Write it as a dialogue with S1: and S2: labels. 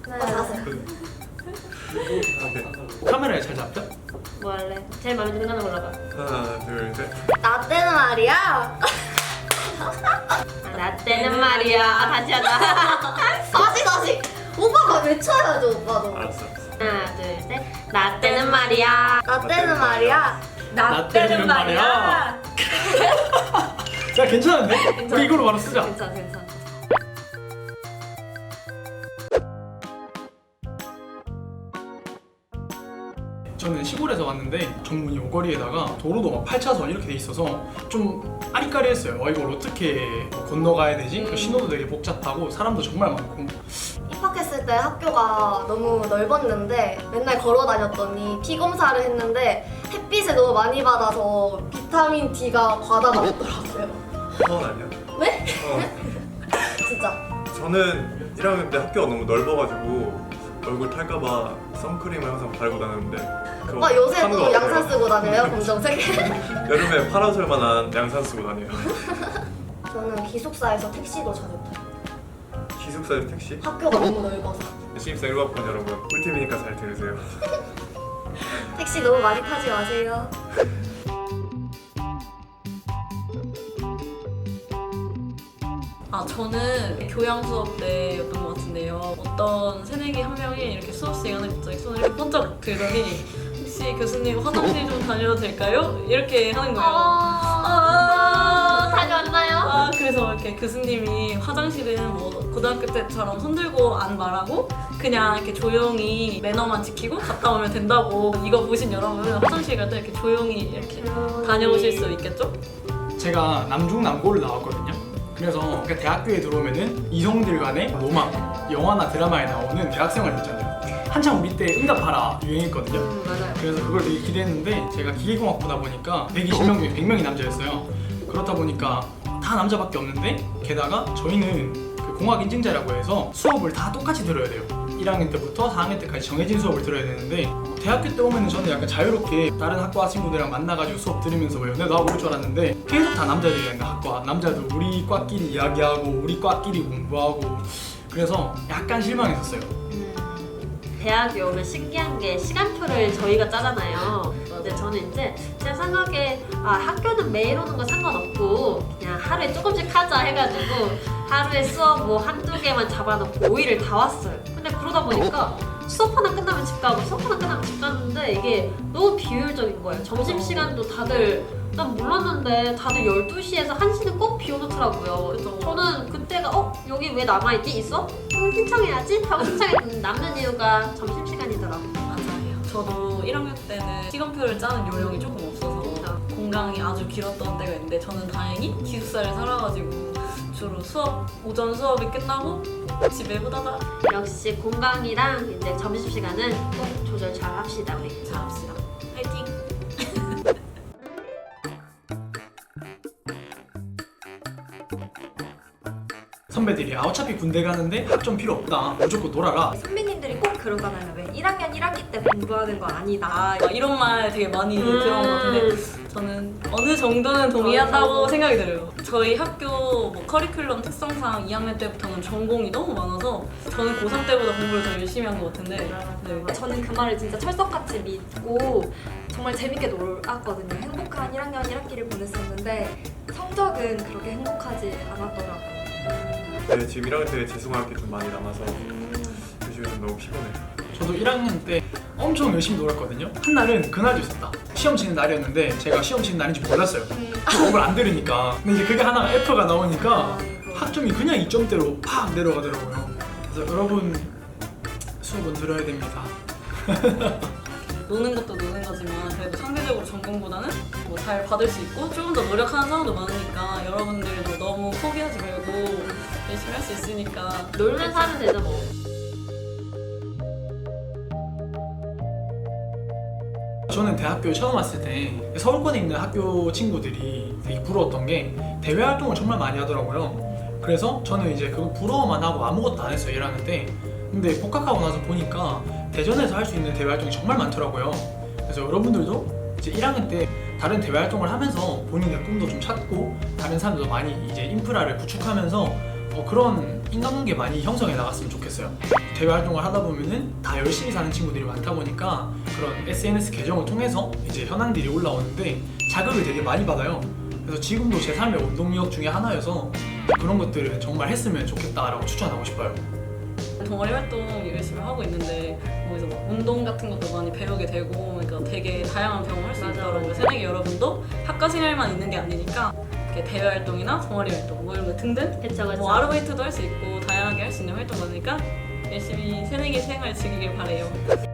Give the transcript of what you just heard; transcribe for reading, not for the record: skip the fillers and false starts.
S1: 자세.
S2: 카메라에 잘 잡혀?
S3: 뭐 할래? 제일 마음에 드는 거 하나 골라봐.
S4: 하나, 둘, 셋.
S1: 나 때는 말이야.
S3: 나 때는 말이야. 다시 하자.
S1: 다시. 오빠가 외쳐야죠, 오빠도.
S4: 알았어.
S3: 하나, 둘, 셋. 나 때는 말이야.
S1: 나 때는 말이야.
S2: 나 때는 말이야. 야 괜찮은데? 우리 이걸로 바로 쓰자.
S3: 괜찮아.
S2: 저는 시골에서 왔는데 정문이 오거리에다가 도로도 막 8차선 이렇게 돼 있어서 좀 아리까리했어요. 이걸 어떻게 건너가야 되지? 그 신호도 되게 복잡하고 사람도 정말 많고.
S1: 입학했을 때 학교가 너무 넓었는데 맨날 걸어 다녔더니 피 검사를 했는데 햇빛을 너무 많이 받아서 비타민 D가 과다가 됐더라고요.
S4: 아니야?
S1: 네?
S4: 어.
S1: 진짜.
S4: 저는 1학년 때 학교가 너무 넓어가지고 얼굴 탈까봐 선크림을 항상 바르고 다녔는데 그거
S1: 오빠 요새
S4: 하는 거
S1: 또
S4: 같아요.
S1: 양산 쓰고 다녀요? 검정색?
S4: 여름에 파라솔만한 양산 쓰고 다녀요.
S1: 저는 기숙사에서 택시도 자주 타요.
S4: 기숙사에서 택시?
S1: 학교가 너무 넓어서.
S4: 신입생 1학번 여러분 꿀팁이니까 잘 들으세요.
S1: 택시 너무 많이 타지 마세요.
S5: 저는 교양 수업 때였던 것 같은데요. 어떤 새내기 한 명이 이렇게 수업 시간에 갑자기 손을 이렇게 번쩍 들더니 혹시 교수님 화장실 좀 다녀도 될까요? 이렇게 하는 거예요.
S3: 다녀왔나요?
S5: 그래서 이렇게 교수님이 화장실은 뭐 고등학교 때처럼 손들고 안 말하고 그냥 이렇게 조용히 매너만 지키고 갔다 오면 된다고. 이거 보신 여러분 화장실 갈 때 이렇게 조용히 이렇게 다녀오실 수 있겠죠?
S2: 제가 남중남고를 나왔거든요. 그래서 그러니까 대학교에 들어오면은 이성들 간의 로망, 영화나 드라마에 나오는 대학생활 있잖아요. 한창 우리 때 응답하라 유행했거든요.
S3: 맞아요.
S2: 그래서 그걸 되게 기대했는데 제가 기계공학부다 보니까 120명 중에 100명이 남자였어요. 그렇다 보니까 다 남자밖에 없는데 게다가 저희는 그 공학 인증자라고 해서 수업을 다 똑같이 들어야 돼요. 1학년 때부터 4학년 때까지 정해진 수업을 들어야 되는데 대학교 때 오면은 저는 약간 자유롭게 다른 학과 친구들이랑 만나가지고 수업 들으면서 뭐 연애도 하고 그럴 줄 알았는데 계속 다 남자들이랑 학과 남자도 우리 과끼리 이야기하고 우리 과끼리 공부하고 그래서 약간 실망했었어요.
S3: 대학에 오면 신기한 게 시간표를 저희가 짜잖아요. 근데 저는 이제 제 생각에 학교는 매일 오는 거 상관없고 그냥 하루에 조금씩 하자 해가지고 하루에 수업 뭐 한두 개만 잡아놓고 5일을 다 왔어요. 근데 그러다 보니까 수업 하나 끝나면 집 가고 수업 하나 끝나면 집 갔는데 이게 너무 비효율적인 거예요. 점심시간도 다들 난 몰랐는데 다들 12시에서 1시는 꼭 비워놓더라고요. 그래서 저는 그때가 여기 왜 남아있지? 있어? 그럼 신청해야지? 하고 신청했는데 남는 이유가 점심시간이더라고요.
S5: 맞아요. 저도 1학년 때는 시간표를 짜는 요령이 조금 없어서 공강이 아주 길었던 때가 있는데 저는 다행히 기숙사를 살아가지고 주로 오전 수업이 끝나고 집에 후다닥
S3: 역시 공강이랑 이제 점심시간은 꼭 조절 잘 합시다 우리.
S5: 잘합시다. 화이팅!
S2: 선배들이 어차피 군대 가는데 학점 필요 없다. 무조건 놀아라.
S6: 선배님들이 꼭 그러잖아요. 왜 1학년 1학기 때 공부하는 거 아니다.
S5: 막 이런 말 되게 많이 들어온 것 같은데 저는 어느 정도는 동의한다고 생각이 들어요. 저희 학교 뭐 커리큘럼 특성상 2학년 때부터는 전공이 너무 많아서 저는 고3 때보다 공부를 더 열심히 한 것 같은데 네.
S6: 저는 그 말을 진짜 철석같이 믿고 정말 재밌게 놀았거든요. 행복한 1학년 1학기를 보냈었는데 성적은 그렇게 행복하지 않았더라고요.
S4: 네, 지금 1학년 때 재수할 게 좀 많이 남아서 요즘에 좀 너무 피곤해요.
S2: 저도 1학년 때 엄청 열심히 놀았거든요. 한 날은 그날도 있었다. 시험 치는 날이었는데 제가 시험 치는 날인지 몰랐어요. 수업을 안 들으니까. 근데 이제 그게 하나가 F가 나오니까 학점이 그냥 2점대로 팍 내려가더라고요. 그래서 여러분 수업은 들어야 됩니다.
S5: 노는 것도 노는 거지만 그래도 상대적으로 전공보다는 뭐 잘 받을 수 있고 조금 더 노력하는 사람도 많으니까 여러분들도 너무 포기하지 말고 열심히 할 수 있으니까
S3: 놀면서 하면 되죠 뭐.
S2: 저는 대학교에 처음 왔을 때 서울권에 있는 학교 친구들이 되게 부러웠던 게 대외 활동을 정말 많이 하더라고요. 그래서 저는 이제 그거 부러워만 하고 아무것도 안 했어요 1학년 때. 근데 복학하고 나서 보니까 대전에서 할 수 있는 대외 활동이 정말 많더라고요. 그래서 여러분들도 이제 1학년 때 다른 대외 활동을 하면서 본인의 꿈도 좀 찾고 다른 사람들도 많이 이제 인프라를 구축하면서 그런 인간관계 많이 형성해 나갔으면 좋겠어요. 대외 활동을 하다 보면은 다 열심히 사는 친구들이 많다 보니까 그런 SNS 계정을 통해서 이제 현황들이 올라오는데 자극을 되게 많이 받아요. 그래서 지금도 제 삶의 원동력 중에 하나여서 그런 것들을 정말 했으면 좋겠다라고 추천하고 싶어요.
S5: 동아리 활동 열심히 하고 있는데 거기서 막 운동 같은 것도 많이 배우게 되고 그러니까 되게 다양한 경험을 할 수
S3: 맞아,
S5: 있더라고요.
S3: 맞아.
S5: 새내기 여러분도 학과 생활만 있는 게 아니니까 이렇게 대외 활동이나 동아리 활동 뭐 이런 거 등등
S3: 그쵸 그쵸.
S5: 뭐 아르바이트도 할 수 있고 다양하게 할 수 있는 활동 많으니까 열심히 새내기 생활 즐기길 바래요.